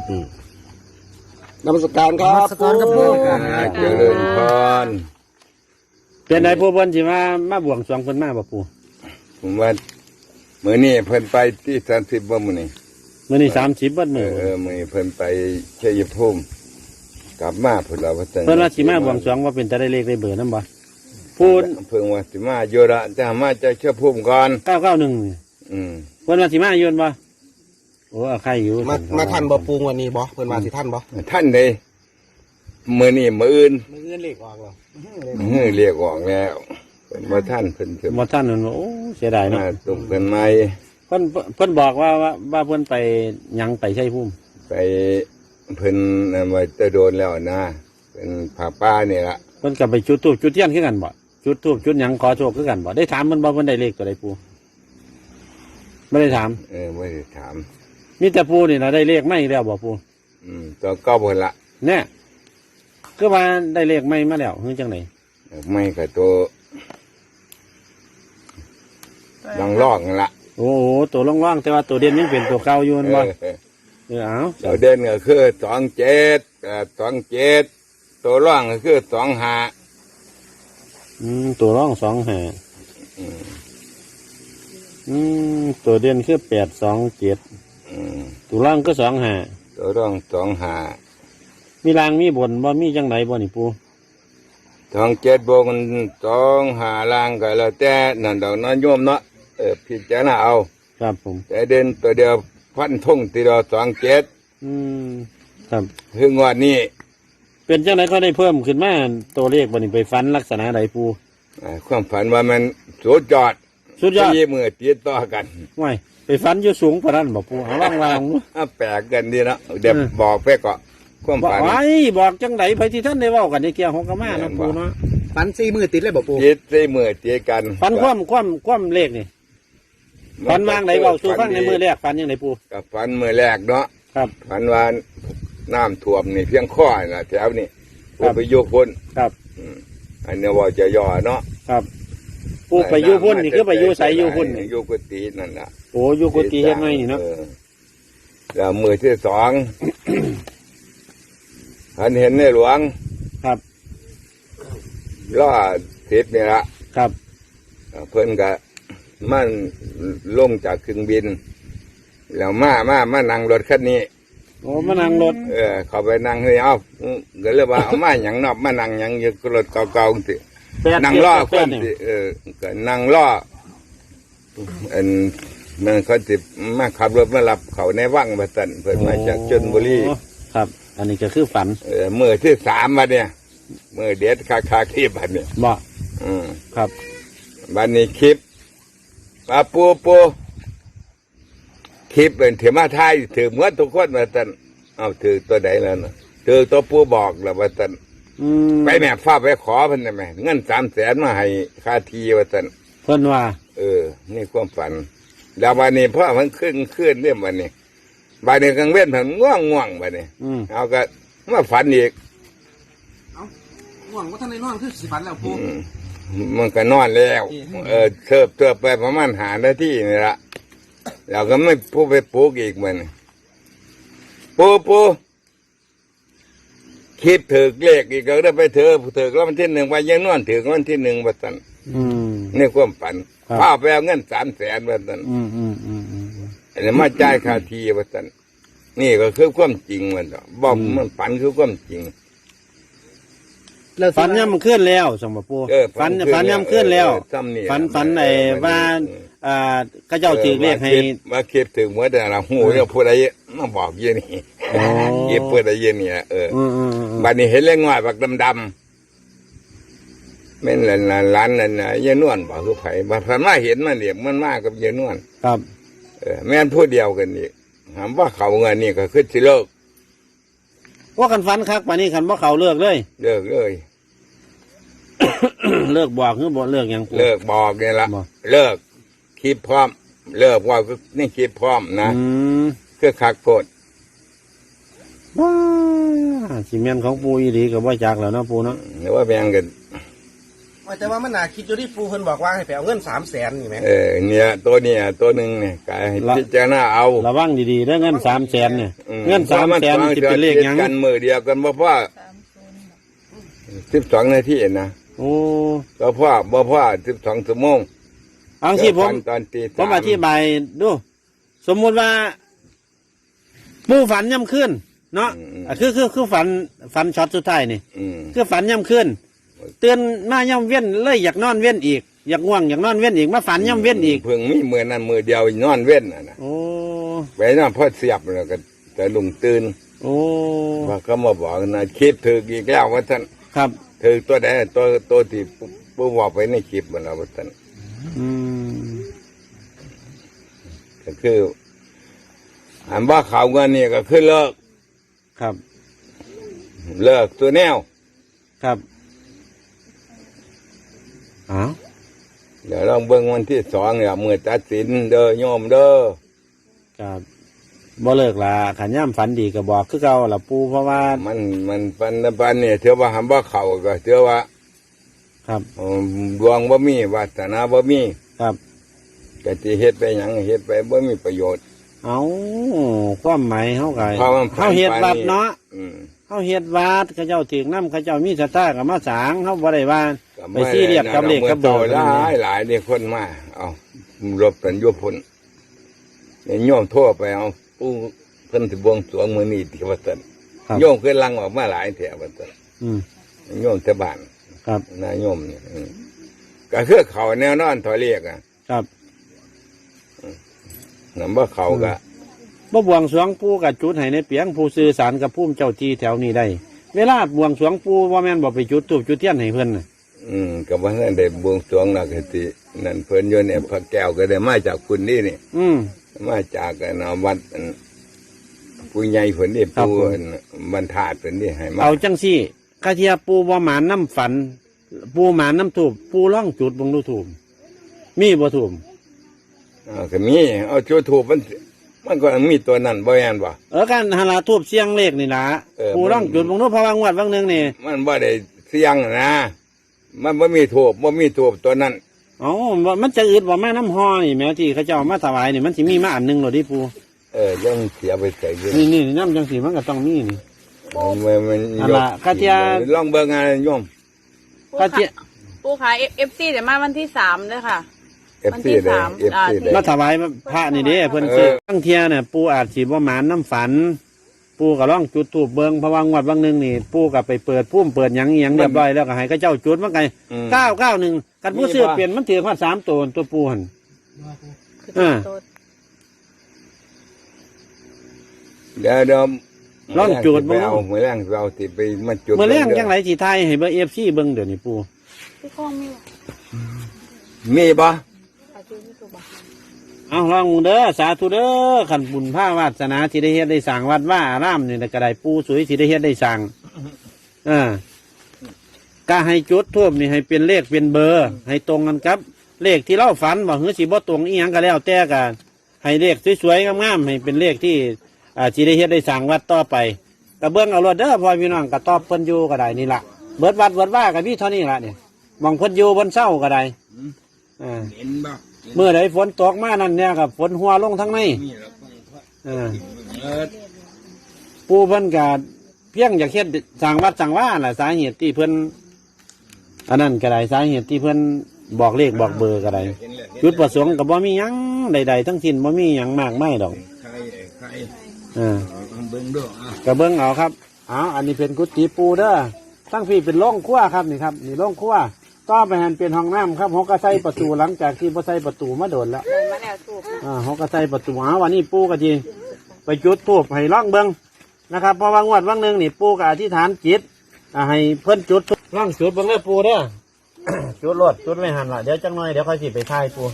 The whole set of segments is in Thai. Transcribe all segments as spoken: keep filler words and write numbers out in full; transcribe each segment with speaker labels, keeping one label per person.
Speaker 1: นมัสการครับ
Speaker 2: นมัสการครับปู่
Speaker 3: เจริญพร
Speaker 2: เป็นไงผู้เพิ่นสิมามาบวงสรวงเพิ่นมาบ่ปู่
Speaker 3: ผมว่ามื้อนี้เพิ่นไปที่สามสิบบ่มื้อนี้
Speaker 2: มื้อนี้สามสิบบัด
Speaker 3: เอ
Speaker 2: มื้อ
Speaker 3: อเออมื้อนี้เพิ่นไปชัยภูมิกลับมาพุ่นเราว่าจัง
Speaker 2: เพิ่นว่าสิมาบวงสรวงว่าเป็นตาได้เลขได้เบอร์นำบ่พูด
Speaker 3: เพิ่นว่าสิมาอยู่ละจะมาจากชัยภูมิก่อน
Speaker 2: เก้าเก้าหนึ่งนี่
Speaker 3: อืม
Speaker 2: เพิ่นว่าสิมาอยู่บ่โอ้เอาใครอยู่
Speaker 1: มามาทันบ่ปูงวันนี้บ่เพิ่นมาสิทันบ่
Speaker 3: ท่านได้มื้อนี้มื้ออื่น
Speaker 1: มื้ออื่นเลขออกแล้ว
Speaker 3: เฮ้ยเรียกออกแล้วเพิ่นบ่ท่านเพิ่นจะ
Speaker 2: บ่ทันนั่นโอ้เสียดายเนาะ
Speaker 3: มาตุกเพิ่นใหม่
Speaker 2: เพิ่นเพิ่นบอกว่าว่าว่าเพิ่นไปหยังไปชัยภูมิ
Speaker 3: ไปเพิ่นนั่นไว้จะโดนแล้วนะเป็นผาป้านี่ล่ะ
Speaker 2: เพิ่นก็ไปจุดธูปจุดเทียนคือกันบ่จุดธูปจุดหยังขอโชคคือกันบ่ได้ถามเพิ่นบ่เพิ่นได้เลขตัวใดปู่บ่ได้ถาม
Speaker 3: เออไม่ได้ถาม
Speaker 2: มีแต่ปู่นี่ล่ะได้เลขใหม่แล้วบ่ปู่
Speaker 3: อืมตัวเก้าเพิ่นละ
Speaker 2: แน่คือว่าได้เลขใหม่มาแล้วคือจังได๋
Speaker 3: ไม่กับตัวลังลอกนั่นละ
Speaker 2: โอ้โหตัวล่องๆแต่ว่าตัวเด่นยังเป็นตัวเก่าอยู่นั่นบ่
Speaker 3: เออ
Speaker 2: เออเอา
Speaker 3: ตัวเด่นก็คือสองเจ็ดกับสองเจ็ดตัวร่องก็คือสองห้า
Speaker 2: อืมตัวร่องสองห้า
Speaker 3: อืม
Speaker 2: อืมตัวเด่นคือแปดสองเจ็ด
Speaker 3: อืม
Speaker 2: ตัวร่องก็สองห้า
Speaker 3: ตัวร่องสองห้า
Speaker 2: มีรางมีบนบ่มีจังไหนบ่นี่ปู
Speaker 3: สองเจ็ดบวกกันสองห้าล่างก็แล้วแต่นั่นดอกน้อยโยมเนาะเออพิจารณาเอา
Speaker 2: ครับผม
Speaker 3: แต่เด่นตัวเดียวฟันทุ่งตีดอสองเจ็ด
Speaker 2: อืมครับ
Speaker 3: คืองวดนี้
Speaker 2: เป็นจังไหนก็ได้เพิ่มขึ้นมาตัวเลขบ่นี่ไปฟันลักษณะใดปู
Speaker 3: อ่าความฝันว่ามันสุดยอด
Speaker 2: สุดยอด
Speaker 3: สี่มือติดต่อกัน
Speaker 2: ว้ายไปฟันอยู่สูงปานนั้นบ่ปูเอาล่างล่าง
Speaker 3: อ่ะแปลกกันดีเนาะเดี๋ยว
Speaker 2: เออ
Speaker 3: บอกไปก่อนความ
Speaker 2: บอก
Speaker 3: ฝัน
Speaker 2: ไว้บอกจังไหนไปที่ท่านได้เว้ากันในเกี่ยวของกะมาเนาะปูเนาะ
Speaker 1: ฟันสี่มือติดเลยบ่ปู
Speaker 3: ติดสี่มือติดกัน
Speaker 2: ฟันคว่ำคว่ำคว่ำเลขนี่ฟันวางไหนเว้าสู่ฟังในมือแรกฟันยังไงปู
Speaker 3: กับฝันมือแรกเนาะ
Speaker 2: ครับ
Speaker 3: ฝันว่าน้ำท่วมนี่เพียงข้อน่ะแถวนี่
Speaker 2: ครับ
Speaker 3: ไปโยกพ้น
Speaker 2: ครับ
Speaker 3: อืมอันนี้ว่าจะย่อเนาะ
Speaker 2: ครับปูไปอยู่พุ่นนี่คือไปอยู่ใสอยู่พุ่นนี่
Speaker 3: โยกุฏินั่นน่ะ
Speaker 2: โอ้อยู่กุฏิเฮ็ดไงนี่เนาะ
Speaker 3: ออแล้วมือที่สอง ฉันเห็นในหลวง
Speaker 2: ครับ
Speaker 3: ล่อทิศนี่ละ
Speaker 2: ครับ
Speaker 3: เพิ่นก็มันลงจากเครื่องบิน แล้วมามามานั่งรถคันนี้
Speaker 2: โอ้มานั่งรถ
Speaker 3: เออเขาไปนั่งเฮ้ยเอาก็เลยว่าเอามาหยังนอกมานั่งหยังอยู่รถเก่าๆสิ
Speaker 2: แปด
Speaker 3: นั่งล่อค
Speaker 2: เจ็ด
Speaker 3: น
Speaker 2: แปด
Speaker 3: สิ
Speaker 2: นี่
Speaker 3: เออก็นั่งล่ออันมันเขาสิมาขับรถมารับเขาในวังบัดสันเพิ่นมาจากชลบุรี
Speaker 2: โอ้ครับ อันนี้ก็คือฝัน
Speaker 3: เออมือที่สามมาเนี่ยมือเด็ดคาคาคลิปบัดเนี่ย
Speaker 2: บ่
Speaker 3: อืม
Speaker 2: ครับ
Speaker 3: บัดนี้คลิปปาปูปูคลิปเป็นเถมาไทยถือเหมือนทุกคนบัดสันเอาถือตัวใดแล้วนะถือตัวปูบอกแล้วบัดสัน
Speaker 2: อืม
Speaker 3: ไปแม่ฟ้าไปขอเพิ่นได้ไหมเงินสามแสนมาให้ค่าทีบัดสัน
Speaker 2: เพิ่นว่า
Speaker 3: เออ นี่ความฝัน แล้ววันนี้พ่อมันขึ้นขึ้นเรื่องวันนี้วันนี้กลางเว้นผันง่วงง่วงวันนี้
Speaker 2: อืม
Speaker 3: เอาก็มาฝันอีก
Speaker 1: หวังว่าท่านในนอนคือสิฟันแล้วปู
Speaker 3: อืมมันก็นอนแล้ว เออเทิบเทิบไปประมาณหานาทีนี่ละเราก็ไม่พูดไปปลูกอีกมันปูปูคิดถือเลขอีกก็ได้ไปเถอะถือแล้ววันที่หนึ่งไปยังนอนถือวันที่หนึ่งบัดสัน
Speaker 2: อืม
Speaker 3: นี่ความฝัน
Speaker 2: ครับ
Speaker 3: พ่อไปเอาเงินสามแสนบัดสัน
Speaker 2: อืมอืมอืมอืม
Speaker 3: อันนี้มาจ่ายค่าทีบัดสันนี่ก็คือความจริงมันต่อบอกมันฝันคือความจริง
Speaker 2: ฝันย่ำขึ้นแล้วสมบัติปู
Speaker 3: เออ
Speaker 2: ฝัน
Speaker 3: ขึ้
Speaker 2: ฝันย่ำขึ้นแล้ว
Speaker 3: เออซ้ำนี่
Speaker 2: ฝัน
Speaker 3: ล่ะ
Speaker 2: ฝันไอ้
Speaker 3: เออ
Speaker 2: ว่า
Speaker 3: เออ
Speaker 2: อ่าก็เจ้าถือเลขให้
Speaker 3: มาคิดถึงเมื่อแต่ละหูเนี่ยพูดอะไรมาบอกเยี่ยนี่
Speaker 2: โอ้
Speaker 3: เยี่ยพูดอะไรเยี่ยนี่เออ
Speaker 2: อืมอืมอืม
Speaker 3: บัดนี้เห็นเล็กน้อยบักดำดำๆเป็นหลานหลานนั่นน่ะเยี่ยนวลบอกคือไผ่บัดพันมาเห็นมันเดียมันมากกับเยี่ยนวล
Speaker 2: ครับ
Speaker 3: เออแม่นพูดเดียวกันนี่ถามว่าเขาเงินนี่ก็คือสิเลิก
Speaker 2: ว่ากันฝันคักป่านนี้คันว่าเขาเลิกเลย
Speaker 3: เลิกเลย
Speaker 2: เลิกบอกคือบ่เลิกหยังปู
Speaker 3: เลิกบอกเนี่ยละ
Speaker 2: บอก
Speaker 3: เลิกคิดพร้อม เลิกว่าก็นี่คิดพร้อมนะ
Speaker 2: อืม
Speaker 3: คือคักโพด
Speaker 2: ว้าสิเมียนของปูอีหลีกับว่าจากแล้วเนาะปูเนาะ
Speaker 3: หรือว่าแบ่งกัน
Speaker 1: วแต่ว่ามันน่าคิดอยู่ที่ปูเพิ่นบอกว่าให้ไปเอาเงินสามแสนนี่ไหม
Speaker 3: เออเนี่ยตัวเนี่ยตัวหนึ่งเนี่ยกายพิจารณาเอา
Speaker 2: ระวังดีๆเรื่องเงินสามแสนเนี่ย
Speaker 3: อืม
Speaker 2: เงินสามแสนจะเป็นเลขหยัง
Speaker 3: กันมือเดียวกันบ่พ่อสิบสองนาทีนะ
Speaker 2: โอ้
Speaker 3: บ่พ่อบ่พ่อสิบสองชั่วโมง
Speaker 2: เอาที่ผม
Speaker 3: ตอนตี
Speaker 2: ผมอธิบายดู สมมุติว่าผู้ฝันย่ำขึ้นเนาะอ่ะคือคือคือฝันฝันช็อตสุดท้ายนี่
Speaker 3: อืม
Speaker 2: คือฝันย่ำขึ้นเตือนมาย่ำเว้นเลยอยากนอนเว้นอีกอยากง่วงอยากนอนเว้นอีกมาฝันย่ำเว้นอีก
Speaker 3: เพิ่งมีมือนั้นมือเดียวนอนเว้นน่ะนะ
Speaker 2: โอ้
Speaker 3: ไปนอนพอเสียบแล้วก็แต่ลุงตื่น
Speaker 2: โอ้
Speaker 3: ว่าก็มาบอกนะคลิปถืออีกแล้วว่าท่าน
Speaker 2: ครับ
Speaker 3: ถือตัวใดตัวตัวที่ปูบอกไปในคลิปมันแล้วว่าท่าน
Speaker 2: อืม
Speaker 3: ก็คืออันว่าข่าวเงินนี่ก็คือเลิก
Speaker 2: ครับ
Speaker 3: เลิกตัวแนว
Speaker 2: ครับอ้าว
Speaker 3: เดี๋ยวลองเบิ่งวันที่สองเนี่ยมือตัดสินเด้อโยมเด้อ
Speaker 2: ครับบ่เลิกละขันย่ำฝันดีก็บอกคือเก่าละปูเพราะว่า
Speaker 3: มันมันปันปันเนี่ยเถือว่าหำว่าเขาก็เถือว่า
Speaker 2: ครับ
Speaker 3: อืมดวงบ่มีวาสนาบ่มี
Speaker 2: ครับ
Speaker 3: ก็สิเฮ็ดไปหยังเฮ็ดไปบ่มีประโยชน์
Speaker 2: เอาความหมายเขาไง
Speaker 3: เพราะมันผ่าน
Speaker 2: เขาเฮ็ดวัด
Speaker 3: ไปนี่
Speaker 2: เนาะ
Speaker 3: อืม
Speaker 2: เขาเฮ็ดวัดเขาเจ้าถึงน้ำเขาเจ้ามีสตากับมาสางเขาบ่ได้ว่า
Speaker 3: ก็
Speaker 2: ไปซีเรียสกับเลขกับเบอร์
Speaker 3: หลายหลายเนี่ยคนมาเอารบกันอยู่พุ่นเนี่ยโยมโทั่วไปเอาผู้เพิ่นสิบวงสรวงมื้อนี้ที่ว่าซั่น
Speaker 2: ครับ
Speaker 3: โยมเคยลังออกมาหลายแถวว่าซั่น
Speaker 2: อืม
Speaker 3: โยมแต่บ้าน
Speaker 2: ครับ
Speaker 3: นายโยมเนี่ยอืมก็คือเขาแนวนอนถอยเรียกอ่ะ
Speaker 2: ครับ
Speaker 3: นำว่าเขาก็
Speaker 2: บ่บวงสรวงปู่กับจุดให้ในเปียงผู้สื่อสารกับผู้เจ้าที่แถวนี้ได้ เวลาบวงสรวงปู่ว่าแม่นบ่ไปจุดธูปจุดเทียนให้เพิ่นน่ะ
Speaker 3: อืมก็ว่านั่นได้บวงสรวงแล้วก็สินั่นเพิ่นอยู่เนี่ยพระแก้วก็ได้มาจากคุณนี่นี่
Speaker 2: อืม
Speaker 3: มาจากกันเอาวัดอันผู้ใหญ่เพิ่นนี่
Speaker 2: ครับ
Speaker 3: ผู้
Speaker 2: ผม
Speaker 3: อันบรรทาดเพิ่นนี่ให้มา
Speaker 2: เอาจังซี่กะเทียปู่บ่หมานน้ำฝัน ปู่หมานน้ำธูปปู่ร้องจุดเบ่งดูธูปมีบ่ธูป
Speaker 3: อ่าก็มีเอาชูถูกมันมันก็มีตัวนั้นบ่แม่นบ่
Speaker 2: เออการหาลาทูบเสียงเลขนี่ล่ะ
Speaker 3: เออ
Speaker 2: ปู่ร้องจุดเบ่งดูเพราะว่างวดบางหนึงนี่
Speaker 3: มันบ่ได้เสียงนะ มันบ่มีถูกบ่มีถูกตัวนั้น
Speaker 2: เอ๋อมันจะอึดว่าแม่น้ำฮอนี่แม้ที่เขาเจ้ามาถวายนี่มันสิมีมาอันหนึงโลดดิปู่
Speaker 3: เออยังเสียไปใส่อยู่
Speaker 2: นี่นี่น้ำจังสีมันก็ต้องมีนี่
Speaker 3: มันมัน
Speaker 2: อันละกะเทีย
Speaker 3: ลองเบิ่งงานโยม
Speaker 2: ก็เจ๊
Speaker 4: ปูขายเอฟซีแต่มาวันที่สามเลยค่ะ
Speaker 3: เอฟ
Speaker 4: วัน
Speaker 3: ซี
Speaker 4: ที่
Speaker 3: ได้
Speaker 4: สาม
Speaker 3: เอฟ
Speaker 4: อ่า
Speaker 3: ซีได้
Speaker 2: มาถวายพระนี่เด้เพิ่นซื้อตั้งเทียเนี่ยปู่อาจสิบ่หมานน้ำฝัน ปู่ก็ร้องจุดถูกเบิงเพราะว่างวดบางหนึงนี่ปู่ก็ไปเปิดพุ่มเปิดหยังอิหยังเรียบร้อยแล้วก็ให้เขาเจ้าจุดมันไง
Speaker 3: อืม
Speaker 2: เก้าเก้าหนึ่งกันผู้ซื้อเปลี่ยนมันถือมาสามตัวตัวปู่หัน
Speaker 4: คือ
Speaker 2: อ่า
Speaker 4: ตัว
Speaker 3: เดี๋ยวเดี๋ยว
Speaker 2: ลองจูด
Speaker 3: ไป
Speaker 2: บ่
Speaker 3: เอามื้อแรงเราสิไปมาจุด
Speaker 2: เมื่อแรงจังไรสิทายให้เบอร์เอฟซีเบิ่งเดี๋ยวนี้ปู่
Speaker 4: พี่ข้องมีวะ
Speaker 3: มีบ่
Speaker 4: ขายชื่อพี่ตัวบ้า
Speaker 2: เอาลองเด้อสาธุเด้อขันบุญผ้าวาสนาสิได้เฮ็ดได้สร้างวัดว่าอารามนี่ก็ได้ปู่สวยสิได้เฮ็ดได้สร้างอ่าก็ให้จุดทูบนี่ให้เป็นเลขเป็นเบอร์ ให้ตรงกันครับ เลขที่เราฝันบ่หือสิบ่ตรงอีหยังก็แล้วแต่กันให้เลขสวยๆงามๆให้เป็นเลขที่อ่าสิได้เฮ็ดได้สร้างวัดต่อไปก็เบิ่งเอารถเด้อพ่อพี่น้องก็ตอบเพิ่นอยู่ก็ได้นี่ล่ะเบิดวัดเบิดว่าก็มีเท่านี้ล่ะนี่มองเพิ่นอยู่บนเสาก็ได้อ่า
Speaker 3: เห็นบ่
Speaker 2: เมื่อใดฝนตกมานั่นเนี่ยกับฝนหัวลงทั้งใน
Speaker 3: มีแล้ว
Speaker 2: อ่า
Speaker 3: เออ
Speaker 2: ปูเพิ่นก็เพียงอยากเฮ็ดสร้างวัดสร้างว่าแหละสาเหตุที่เพิ่นอันนั้นก็ได้สาเหตุที่เพิ่นบอกเลขบอกเบอร์ก็ได้จุดประสงค์ก็บ่มีหยังใดๆทั้งสิ้นบ่มีหยังมากมายดอก
Speaker 3: ใครใคร
Speaker 2: อ่า
Speaker 3: เอาเบิ่งดูอ่ะ
Speaker 2: ก็เบิ่งเอาครับเอาอันนี้เป็นกุฏิปูเด้อทั้งพี่เป็นโรงครัวครับนี่ครับนี่โรงครัวต่อไปหันเป็นห้องน้ำครับเขาก็ใส่ประตูหลังจากที่บ่ใส่ประตูมาโดนแล้ว
Speaker 4: เดินมาแล้วถูกนะ
Speaker 2: อ่าเขาก็ใส่ประตูหาวันนี้ปูก็จีไปจุดทูบให้ล่องเบิงนะครับเพราะว่างวดว่างหนึ่งนี่ปูก็อธิษฐานจิตอ่าให้เพิ่นจุดธูปล่องจุดเบิงเลยปูเด้อ จุดรถจุดไม่หันละเดี๋ยวจังหน่อยเดี๋ยวค่อยสิไปทายปู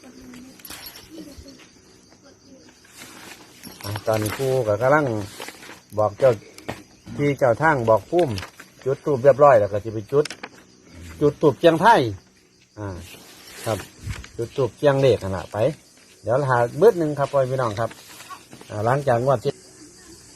Speaker 2: อ่าตอนนี้ปูก็กำลังบอกเจ้าที่เจ้าทางบอกพุ่มจุดทูบเรียบร้อยแล้วก็จะไปจุด จุดตูบเจียงไทยอ่าครับ จุดตูบเจียงเล็กขนาดไป เดี๋ยวหาเบิดหนึ่งครับพ่อพี่น้องครับอ่าหลังจากงวดที่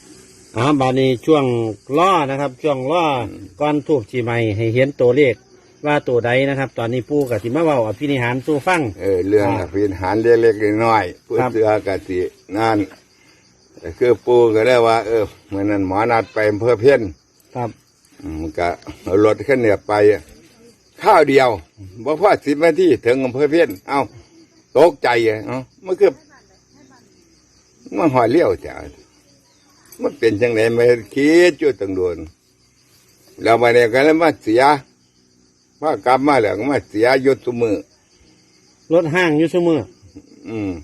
Speaker 2: อ่าบานี้ช่วงล้อนะครับ ช่วงล้อก้อนทูบจีใหม่ให้เห็นตัวเลขว่าตัวใดนะครับ ตอนนี้ปู่กับสิมาเว้าอภินิหารสู่ฟัง
Speaker 3: เออเรื่อง
Speaker 2: อ่า
Speaker 3: พินหารเล็กๆน้อยๆผู้
Speaker 2: ครับ
Speaker 3: เสือกสินั่นแต่คือปูก็ได้ว่า เออเมื่อนั้นหมอนัดไปอำเภอเพี้ยน
Speaker 2: ครับ
Speaker 3: อืมก็เอารถขึ้นเนี่ยไปข้าวเดียวบ่พอสิบนาทีถึงอำเภอเพี้ยนเอ้าตกใจอ่ะเอ้ามันคือมันหอยเลี้ยวจ้ะมันเป็นจังไหนไม่คิดจุดตังโดนแล้วมาเนี่ยก็เลยมาเสียพอกลับมาแล้วก็มาเสียยศสมือ
Speaker 2: รถห้างอยู่ซุมือ
Speaker 3: อืม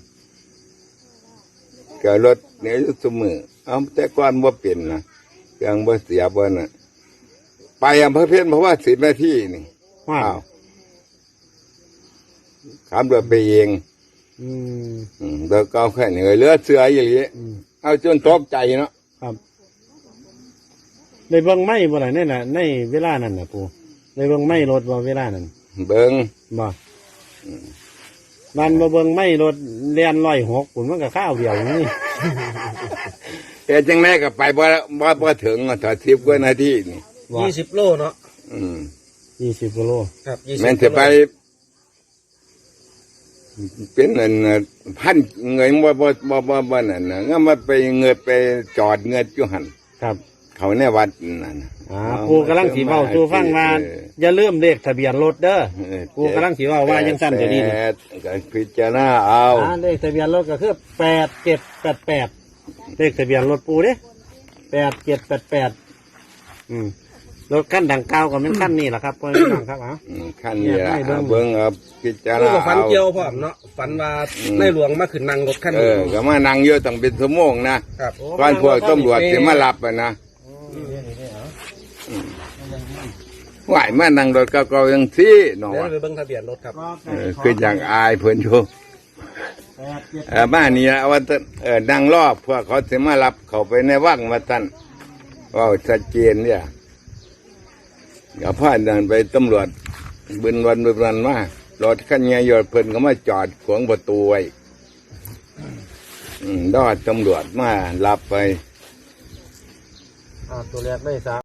Speaker 3: ก็รถเนี่ยยศสมือเอาแต่ก่อนว่าเป็นนะเครื่องบ่เสียบ่น่ะ ไปอำเภอเพี้ยนเพราะว่าสิบนาทีนี่
Speaker 2: ว้า
Speaker 3: อ้าว วขับรถไปเอง
Speaker 2: อืม
Speaker 3: อืมแล้วก็เอาแค่เหนื่อยเหลือเสืออย่างนี้
Speaker 2: อืม
Speaker 3: เอาจนตกใจเนาะ
Speaker 2: ครับได้เบิ่งไม้บ่ล่ะในน่ะในเวลานั้นน่ะปู่ได้เบิ่งไม้รถบ่เวลานั้น
Speaker 3: เบิง
Speaker 2: บ่บ้านบ่เบิ่งไม้รถเลียนร้อยหกปุ่นมันก็ข้าวเดียวนี่
Speaker 3: แต่จังแม่ก็ไปบ่บ่บ่ถึงอะถ้าสิบกว่านาทีนี่
Speaker 2: ว่า
Speaker 1: ยี่สิบโลเนาะ
Speaker 3: อืม
Speaker 2: ยี่สิบกิโล
Speaker 1: ครับยี่สิบ
Speaker 3: แม่นจะไป เป็นอันน่ะพันเงยบ่บ่บ่บ่บ่นั่นน่ะงั้นมาไปเงยไปจอดเงยอยู่หั่น
Speaker 2: ครับ
Speaker 3: เขาในวัดนั่นน่ะ
Speaker 2: อ่าปู่กำลังสิเว้าสู่ฟังว่าอย่าลืมเลขทะเบียนรถเด้อ
Speaker 3: เออ
Speaker 2: ปู่กำลังสิเว้าว่ายังสั้นจะดีนี่
Speaker 3: แปก็พิจารณาเอา
Speaker 2: อ่าเลขทะเบียนรถก็คือแปดเจ็ดแปดแปดเลขทะเบียนรถปู่เด้แปดเจ็ดแปดแปดอืมรถขั้นดังเก้าวก็เป็นขั้นนี้แหละครับพ่อพี่น้องครับอ่ะ
Speaker 3: อืมขั้นนี้ละ
Speaker 2: ให้เบิ่ง
Speaker 3: เบิ้งเอาพิจาร
Speaker 1: ลูก
Speaker 3: ณา
Speaker 1: กับฝัน
Speaker 3: เอา
Speaker 1: เกี่ยวพ่อมเนาะฝันว่าในหลวงมาขึ้นนั่งรถคัน
Speaker 3: เอ
Speaker 1: นี้
Speaker 3: อก็มานั่งเยอะต้องเป็นชั่วโมงนะครับ ก่อนพวกตำรวจจะมารับอ่ะนะไหวมานั่งรถเก่าๆยังซี่หนอ
Speaker 1: เดี๋ยวไปเบิ่งทะเบียนรถครับ
Speaker 3: เออคืออย่างอายเพิ่นอยู่เออบ้านนี้เอาว่าแต่เออนั่งรอบเพื่อเขาจะมารับเขาไปในวังมาตันว่าชัดเจนเนี่ยอย่าพลาดเดินไปตำรวจบึนวันบึนวันมารถคันเงี้ยยอดเพิ่นก็มาจอดขวางประตูไว้อืมดอดตำรวจมารับไป
Speaker 2: อ่าตัวแรกได้สาม